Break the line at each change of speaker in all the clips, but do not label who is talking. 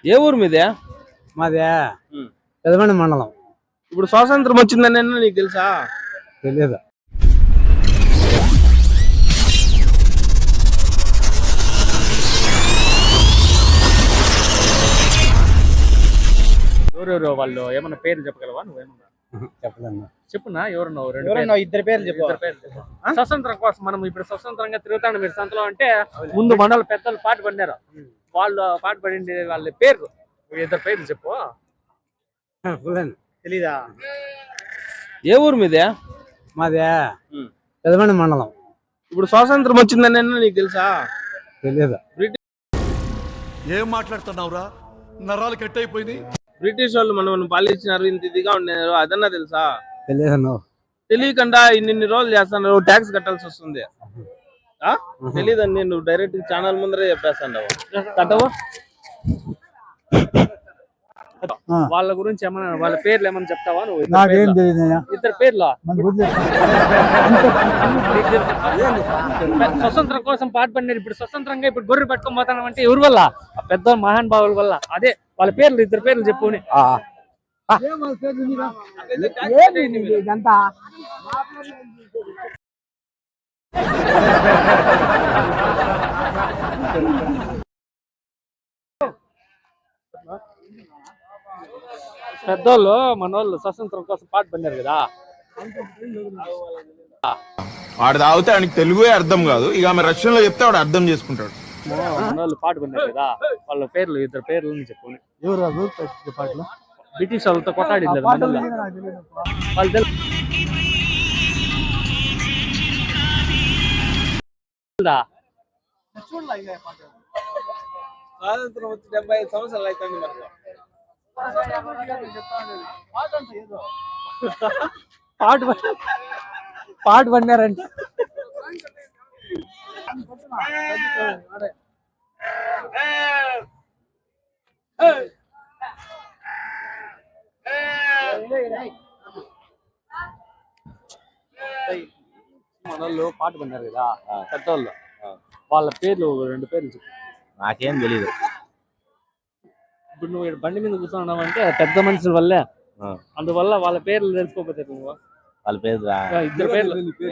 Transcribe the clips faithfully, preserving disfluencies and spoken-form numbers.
ఏ ఊరు మీదే?
మాదే పెదమండి మండలం.
ఇప్పుడు స్వాతంత్రం వచ్చిందని నీకు తెలుసా?
తెలియదు.
ఎవరెవరు వాళ్ళు ఏమన్నా పేర్లు చెప్పగలవా? నువ్వేమన్నా
చెప్పలేను.
చెప్పునా ఎవరున్నావు?
ఎవరన్నా ఇద్దరు పేర్లు చెప్పు.
స్వతంత్రం కోసం మనం ఇప్పుడు స్వతంత్రంగా తిరుగుతాను మీరు సంతలో అంటే ముందు మండల పెద్దలు పాటు పడినారు. వాళ్ళు పాటు పడింది వాళ్ళ పేర్లు ఇద్దరు పేర్లు చెప్పు.
తెలీదా?
ఏ ఊరు మీదే?
మాదే పెదమండి మండలం.
ఇప్పుడు స్వాతంత్రం వచ్చిందని నీకు తెలుసా?
తెలియదు.
ఏం మాట్లాడుతున్నావురా? నరాలు కట్ అయిపోయింది.
బ్రిటిష్ వాళ్ళు మనం పాలించినారు, ఇంత ఇదిగా ఉన్నారు, అదన్నా తెలుసా?
తెలియదు.
తెలియకుండా ఇన్ని రోజులు చేస్తున్నారు, ట్యాక్స్ కట్టాల్సి వస్తుంది. తెలీదండి, నువ్వు డైరెక్ట్ ఛానల్ ముందరే చెప్పేస్తావు కట్టవు. వాళ్ళ గురించి ఏమన్నా వాళ్ళ పేర్లు ఏమన్నా చెప్తావా నువ్వు?
నాకేం తెలియదు.
ఇద్దరు పేర్లు స్వతంత్రం కోసం పాటుపడినారు. ఇప్పుడు స్వతంత్రంగా ఇప్పుడు గొర్రె పట్టుకొని పోతాను అంటే ఎవరి వల్ల? పెద్ద మహాన్ భావుల వల్ల. అదే వాళ్ళ పేర్లు ఇద్దరు పేర్లు చెప్పుని. పెద్దోళ్ళు మనోళ్ళు స్వతంత్రం కోసం పాటు పడినారు కదా.
వాడు తాగితే ఆయనకి తెలుగు అర్థం కాదు, ఇక ఆమె రష్యన్ లో చెప్తే వాడు అర్థం చేసుకుంటాడు.
మనోళ్ళు పాటు పడినారు కదా, వాళ్ళ పేర్లు ఇద్దరు పేర్లు చెప్పుని.
పాటలు
బ్రిటిష్ వాళ్ళతో కొట్టాడింది వాళ్ళు తెలుసు. స్వాతంత్రం వచ్చి డెబ్బై ఐదు సంవత్సరాలు అవుతుంది.
పాటు పాటు పడినారంటే
మనోళ్ళు పాటు పడినారు కదా పెద్దోళ్ళు, వాళ్ళ పేర్లు రెండు పేర్లు చెప్పు.
నాకేం తెలీదు.
ఇప్పుడు నువ్వు బండి మీద కూర్చున్నావు అంటే పెద్ద మనుషుల వల్లే, అందువల్ల వాళ్ళ పేర్లు తెలుసుకోకపోతే నువ్వు
వాళ్ళ పేరు
ఇద్దరు పేర్లు.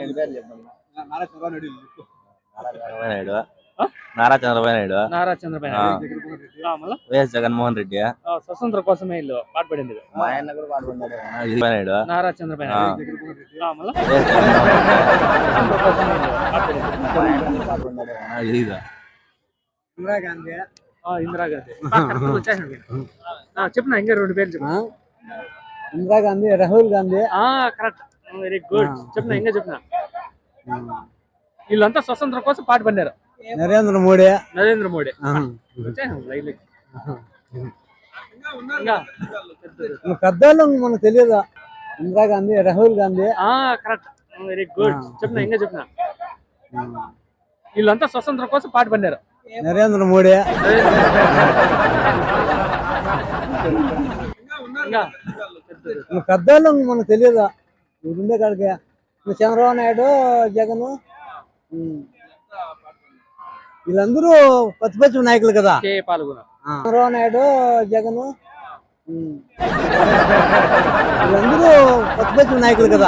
నారా చంద్రబాబు నాయుడు,
నారా చంద్రబాబు నాయుడు,
వైఎస్ జగన్మోహన్ రెడ్డి,
స్వతంత్ర కోసమే ఇల్లు పాటుపడింది.
మా ఆయన కూడా పాటుపడినాడు.
నారా చంద్రబాబు నాయుడు, ఇందిరాగాంధీ. చెప్పిన ఇంకా రెండు పేర్లు చెప్పు.
Indira Gandhi, Rahul Gandhi.
Correct, very good. చెప్పిన ఇంకా చెప్పిన వీళ్ళంతా స్వతంత్రం కోసం పాటు పడినారు.
నరేంద్ర మోడీ.
నరేంద్ర మోడీ
పెద్దోళ్ళు మనకు తెలియదు. Indira Gandhi, Rahul Gandhi.
Correct, very good. చెప్పిన ఇంకా చెప్పిన వీళ్ళంతా స్వతంత్రం కోసం పాటు పడినారు.
నరేంద్ర మోడీ. పెద్దోళ్ళు మనకు తెలియదు. ఉండే కాడికి చంద్రబాబు నాయుడు, జగన్, వీళ్ళందరూ ప్రతిపక్ష నాయకులు కదా. చంద్రబాబు నాయుడు, జగన్, వీళ్ళందరూ ప్రతిపక్ష నాయకులు కదా.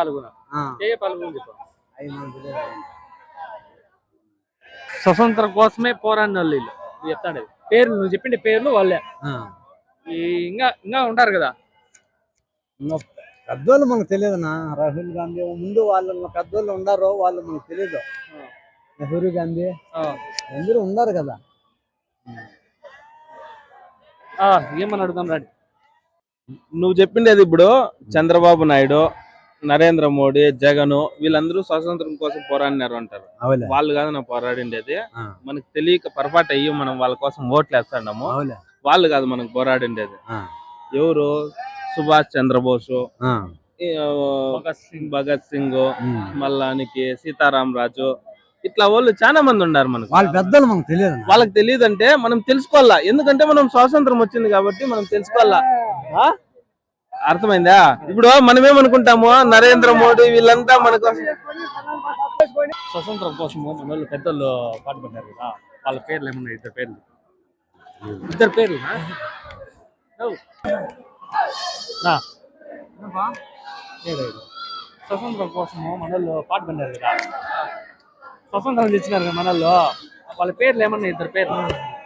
స్వతంత్రం కోసమే పోరాడిన వాళ్ళు వీళ్ళు. చెప్తాడు పేర్లు, నువ్వు చెప్పిండే పేర్లు వాళ్ళే. ఇంకా ఇంకా ఉంటారు కదా
పెద్దోళ్ళు మనకు తెలియదు. నా రాహుల్ గాంధీ ముందు వాళ్ళు పెద్దోళ్ళు ఉన్నారు, వాళ్ళు మనకు తెలియదు. నెహ్రూ గాంధీ అందరూ ఉన్నారు కదా.
ఏమని అడుగుతాం రాడి.
నువ్వు చెప్పిండేది ఇప్పుడు చంద్రబాబు నాయుడు, నరేంద్ర మోడీ, జగన్ వీళ్ళందరూ స్వాతంత్రం కోసం పోరాడినారు అంటారు. వాళ్ళు కాదు నా పోరాడిండేది. మనకు తెలియక పొరపాటు అయ్యి మనం వాళ్ళ కోసం ఓట్లు వేస్తాము. వాళ్ళు కాదు మనకు పోరాడిండేది. ఎవరు? సుభాష్ చంద్రబోసు, భగత్ సింగ్, మల్లానికి సీతారాం రాజు, ఇట్లా వాళ్ళు చాలా మంది ఉన్నారు మనకు.
వాళ్ళ పెద్దలు మనకు తెలియదు.
వాళ్ళకి తెలియదు అంటే మనం తెలుసుకోవాలా, ఎందుకంటే మనం స్వాతంత్రం వచ్చింది కాబట్టి మనం తెలుసుకోవాలా. అర్థమైందా? ఇప్పుడు మనమేమనుకుంటాము, నరేంద్ర మోడీ వీళ్ళంతా మన కోసం
స్వతంత్రం కోసము మన వాళ్ళు పెద్దలు పాటుపడ్డారు కదా, వాళ్ళ పేర్లు ఏమన్నా ఇద్దరు పేర్లు? ఇద్దరు పేర్లు స్వతంత్రం కోసము మనోళ్ళు పాట పడినారు కదా, స్వతంత్రం తెచ్చినారు కదా మనోళ్ళు, వాళ్ళ పేర్లు ఏమన్నా ఇద్దరు పేర్లు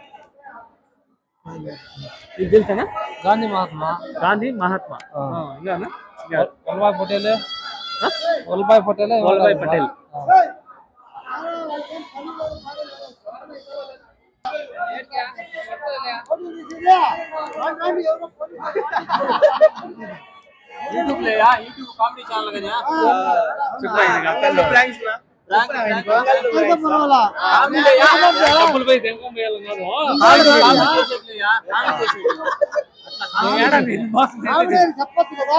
ఇది తెలుసానా?
గాంధీ మహాత్మా
గాంధీ మహాత్మా ఇంకా
వల్లభాయ్ పటేల్ వల్లభాయ్ పటేల్
వల్లభాయ్ పటేల్. డబ్బులు పోయి దెంగం వేయాలి కాదు.
చెప్పచ్చు కదా.